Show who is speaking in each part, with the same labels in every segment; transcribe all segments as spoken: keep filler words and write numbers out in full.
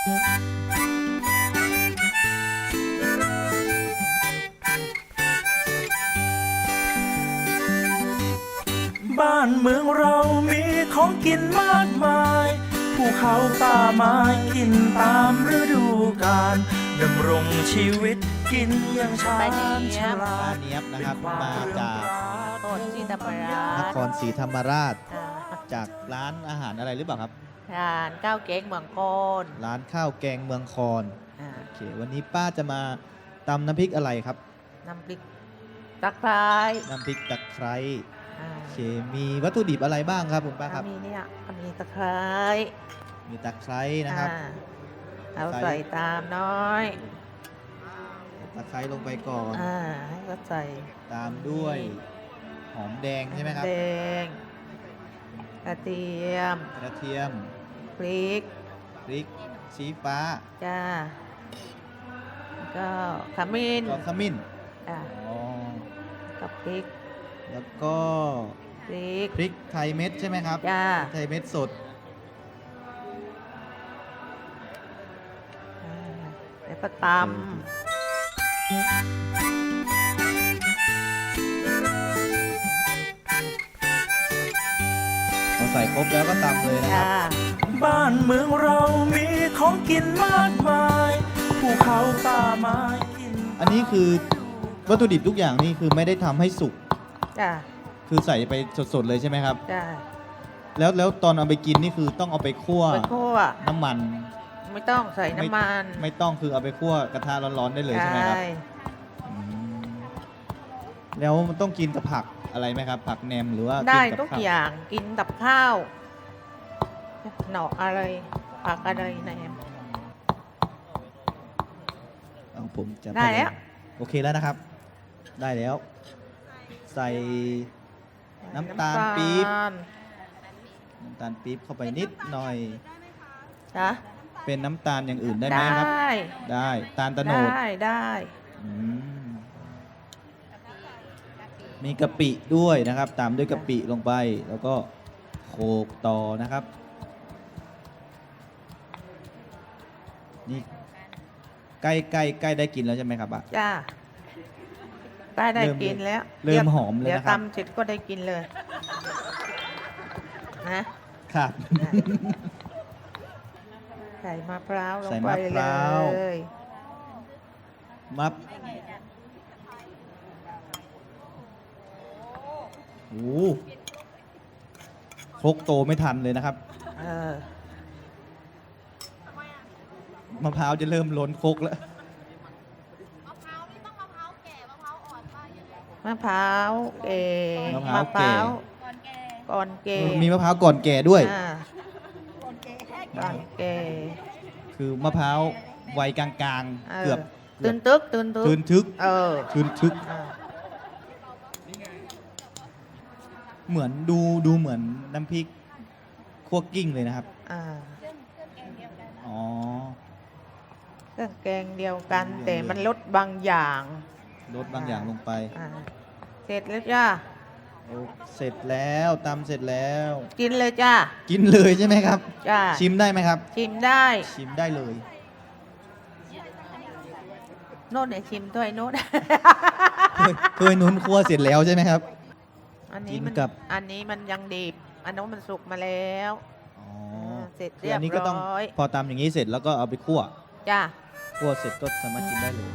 Speaker 1: บ้านเมืองเรามีของกินมากมายภูเขาป่าไม้กินตามฤดูกาลดำรงชีวิตกินอย่างชาญฉลา
Speaker 2: ป้า
Speaker 1: ด
Speaker 2: เนียบนะครับมาจาก
Speaker 3: โคตรที่ธรรมราช
Speaker 2: นครศรีธรรมราช
Speaker 3: อ่า
Speaker 2: จากร้านอาหารอะไรหรือเปล่าครับ
Speaker 3: ร้านข้าวเก๊กเมืองโกน
Speaker 2: ร้านข้าวแกงเมืองคอน
Speaker 3: อ่า
Speaker 2: โอเควันนี้ป้าจะมาตำน้ำพริกอะไรครับ
Speaker 3: น้ำพริกตะไคร้
Speaker 2: น้ำพริกตะไคร้
Speaker 3: อ่า
Speaker 2: โอเคมีวัตถุดิบอะไรบ้างครับคุณป้าครับ
Speaker 3: มีเนี่ยมีตะไคร้
Speaker 2: มีตะไคร้นะครับ
Speaker 3: อ่าเอา
Speaker 2: ใส่
Speaker 3: ใส่ตามน้อย
Speaker 2: ตะไคร้ลงไปก่อน
Speaker 3: อ่าให้ก็ใส่
Speaker 2: ตามด้วยหอมแดงใช่ไหมครับ
Speaker 3: แดงกระเทียม
Speaker 2: กระเทียม
Speaker 3: พริก
Speaker 2: พริกชี้ฟ้า
Speaker 3: จ้าแล้วก็ขมิ้น
Speaker 2: ก็ขมิ้น
Speaker 3: อ่า
Speaker 2: อ๋อ
Speaker 3: กับพริก
Speaker 2: แล้วก็
Speaker 3: พริก
Speaker 2: พริกไทยเม็ดใช่ไหมครับ
Speaker 3: จ้า
Speaker 2: พริกไทยเม็ดสด
Speaker 3: อ่าแล้วก็ต
Speaker 2: พอใส่ครบแล้วก็ตำเลย
Speaker 3: ำ
Speaker 2: นะครับ
Speaker 3: จ้า
Speaker 1: บ้านเมืองเรามีของกินมากมายภูเขาป่าไม้กิน
Speaker 2: อันนี้คือวัตถุดิบทุกอย่างนี่คือไม่ได้ทำให้สุก
Speaker 3: จ้า
Speaker 2: คือใส่ไปสดๆเลยใช่ไหมครับ
Speaker 3: จ้า
Speaker 2: แล้วแล้วตอนเอาไปกินนี่คือต้องเอาไปคั่ว
Speaker 3: ไปคั่ว
Speaker 2: น้ำมัน
Speaker 3: ไม่ต้องใส่น้ำมัน
Speaker 2: ไม่ต้องคือเอาไปคั่วกระทะร้อนๆได้เลยใช่ไหมครับ
Speaker 3: ใช่
Speaker 2: อืมแล้วมันต้องกินกับผักอะไรไหมครับ ผักแหนมหรือว่า
Speaker 3: ได้
Speaker 2: นบ
Speaker 3: ทุก
Speaker 2: ข้ว
Speaker 3: อย่างกินกับข้าวหน่ออะไรผักอะไรแหนม
Speaker 2: เอาผมจะ
Speaker 3: ได้แล้ว
Speaker 2: โอเคแล้วนะครับ ได้แล้ว ใส่น้ำตาลปี๊บ น้ำตาลปี๊บเข้าไปนิดหน่อย
Speaker 3: จ้ะ
Speaker 2: เป็นน้ำตาลอย่างอื่นได้ไหมครับ
Speaker 3: ได้
Speaker 2: ได้ตาลตะโนด
Speaker 3: ได้ได้
Speaker 2: อืมมีกะปิด้วยนะครับ ตามด้วยกะปิลงไป แล้วก็โขลกต่อนะครับ นี่ใกล้ใกล้ใกล้ได้กินแล้วใช่ไหมครับอ่ะ
Speaker 3: จ้าได้ได้
Speaker 2: เริ่ม
Speaker 3: กินแล้ว
Speaker 2: เริ่มหอมเลย
Speaker 3: เดี๋ยว
Speaker 2: นะครับ
Speaker 3: ตำเสร็จก็ได้กินเลยนะครับ ใส่มะพร้าวลง
Speaker 2: ใส่
Speaker 3: ไป
Speaker 2: มะพ
Speaker 3: เล
Speaker 2: ร้าว
Speaker 3: ย
Speaker 2: มับโอ้โหครกโตไม่ทันเลยนะครับ
Speaker 3: เออ
Speaker 2: มะพร้าวจะเริ่มล้นครกแล้ว
Speaker 3: มะพร้าวเก่
Speaker 2: มะพร้าวแก่
Speaker 3: ก่อนเก่
Speaker 2: มีมะพร้าวก่อนแก่ด้วย
Speaker 3: อ่าก่อนเก่
Speaker 2: คือมะพร้าววัยกลาง
Speaker 3: เอ
Speaker 2: ๆ
Speaker 3: อ
Speaker 2: เกือบ
Speaker 3: ตื่นตึกตื่นตึก
Speaker 2: ทืนทึก
Speaker 3: เออ
Speaker 2: ทืนทึก
Speaker 3: อ่า
Speaker 2: เหมือนดูดูเหมือนน้ำพริกคั่วกิ้งเลยนะครับ
Speaker 3: อ่า
Speaker 2: อ๋อ
Speaker 3: เครื่องแกงเดียวกัน
Speaker 2: เครื่อง
Speaker 3: แต่
Speaker 2: เดียว
Speaker 3: มันลดบางอย่าง
Speaker 2: ลดบางอย่างลงไป
Speaker 3: อ่าเสร็จแล้วจ้า
Speaker 2: โอ้เสร็จแล้วตำเสร็จแล้ว
Speaker 3: กินเลยจ้า
Speaker 2: กินเลยใช่ไหมครับ
Speaker 3: จ้า
Speaker 2: ชิมได้ไหมครับ
Speaker 3: ชิมได้
Speaker 2: ชิมได้เลย
Speaker 3: โน้ตเนี่ยชิมด้วยโน้ต
Speaker 2: เคยเคยนุ้นคั่วเสร็จแล้วใช่ไหมครับ
Speaker 3: อัน
Speaker 2: กิ
Speaker 3: นี้
Speaker 2: น
Speaker 3: มัน
Speaker 2: กับ
Speaker 3: อันนี้มันยังดิบอันนู้นมันสุกมาแล้ว
Speaker 2: อ๋อ
Speaker 3: เสร็จ
Speaker 2: คือ
Speaker 3: เรียบ
Speaker 2: อันนี้ก็ต้อง
Speaker 3: ร้อย
Speaker 2: พอตำอย่างนี้เสร็จแล้วก็เอาไปคั่ว
Speaker 3: จ้า
Speaker 2: คั่วเสร็จก็สามารถกินได้เลย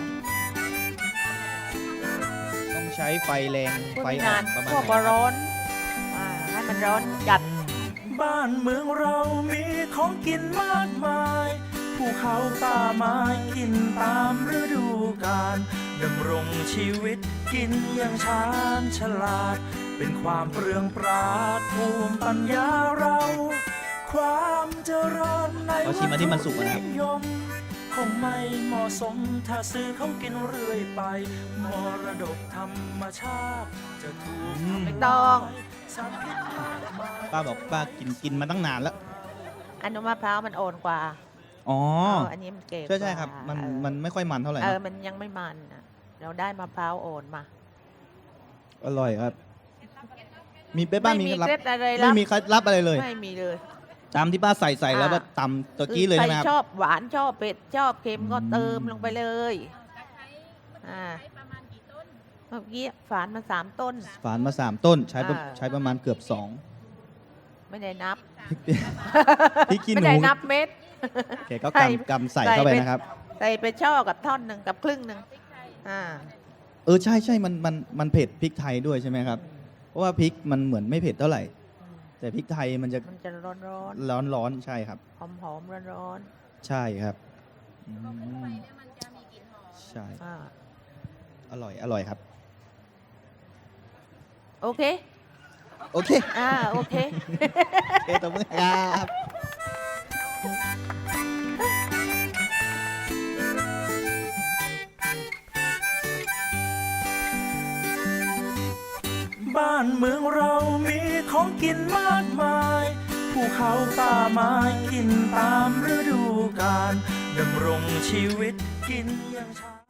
Speaker 2: ต้องใช้ไฟแรง
Speaker 3: พูด
Speaker 2: ไฟ
Speaker 3: ไม่
Speaker 2: อ่อน
Speaker 3: าน
Speaker 2: ประมาณ
Speaker 3: พวก
Speaker 2: ไหนครับ
Speaker 3: ร้อนอ่าให้มันร้อนจัด
Speaker 1: บ้านเมืองเรามีของกินมากมายภูเขาป่าไม้กินตามฤดูกาลดำรงชีวิตกินอย่างชาญฉลาด เป็นความเปลืองปราดภูมิปัญญาเรา ความเจริญใน
Speaker 2: ขอชิมอันที่มันสุกนะครับ
Speaker 1: นิยมคงไม่เหมาะสมถ้าซื้อเขากินเรื่อยไป มรดกธรรมชาติจะถูก
Speaker 2: อืม
Speaker 3: ไม่ต้อง
Speaker 1: สารพิษมากมาย
Speaker 2: ป้าบอกป้ากินกินมาตั้งนานแล้ว
Speaker 3: อันนู้นมะพร้าวมันอ่อนกว่า
Speaker 2: อ๋อ
Speaker 3: เอันนี้มันเก็บ
Speaker 2: ใช่ใช่ครับ มัน
Speaker 3: เออ
Speaker 2: มันไม่ค่อยมันเท่าไหร่
Speaker 3: เออ
Speaker 2: นะ
Speaker 3: มันยังไม่มันน่ะเราได้มะพร้าวอ่อนมา
Speaker 2: อร่อยครับ มีเป๊ะป้ามี
Speaker 3: ไม่
Speaker 2: เคล็ดลับ
Speaker 3: เคล็ดอะไร
Speaker 2: ไม่
Speaker 3: ลับ
Speaker 2: มีเคล็ดลับอะไรเลย
Speaker 3: ไม่มีเลย
Speaker 2: ตามที่ป้าใส่ใส่แล้วก็ตำตะกี้เลยใช่ไหมครับ
Speaker 3: ชอบหวานชอบเผ็ดชอบเค็มก็เติมลงไปเลยอ่าเมื่อกี้ฝานมาสามต้น
Speaker 2: ฝานมาสามต้นใช้ประ
Speaker 3: อ่า
Speaker 2: ใช้ประมาณเกือบสอง
Speaker 3: ไม่ได้นับ
Speaker 2: พริกขี้ห
Speaker 3: ไม่
Speaker 2: นู
Speaker 3: ได้นับเม็ด
Speaker 2: แกก็
Speaker 3: ใส่
Speaker 2: กำกำใส่เข้าไปนะครับ
Speaker 3: ใส่ไปช่อกับท่อนหนึ่งกับครึ่งหนึ่งอ่า
Speaker 2: เออใช่ใช่มันมันมันเผ็ดพริกไทยด้วยใช่ไหมครับ เพราะว่าพริกมันเหมือนไม่เผ็ดเท่าไหร่ แต่พริกไทยมันจะ
Speaker 3: มันจะร้อนร้อน
Speaker 2: ร้อนร้อนใช่ครับ
Speaker 3: หอมหอมร้อนร้อน
Speaker 2: ใช่ครับอืมใช่
Speaker 3: ๆอ่า
Speaker 2: อร่อยอร่อยครับ
Speaker 3: โอเค
Speaker 2: โอเค
Speaker 3: อ่าโอเค
Speaker 2: โอเคตบมือครับ
Speaker 1: บ้านเมืองเรามีของกินมากมายภูเขาป่าไม้กินตามฤดูกาลดำรงชีวิตกินอย่างชา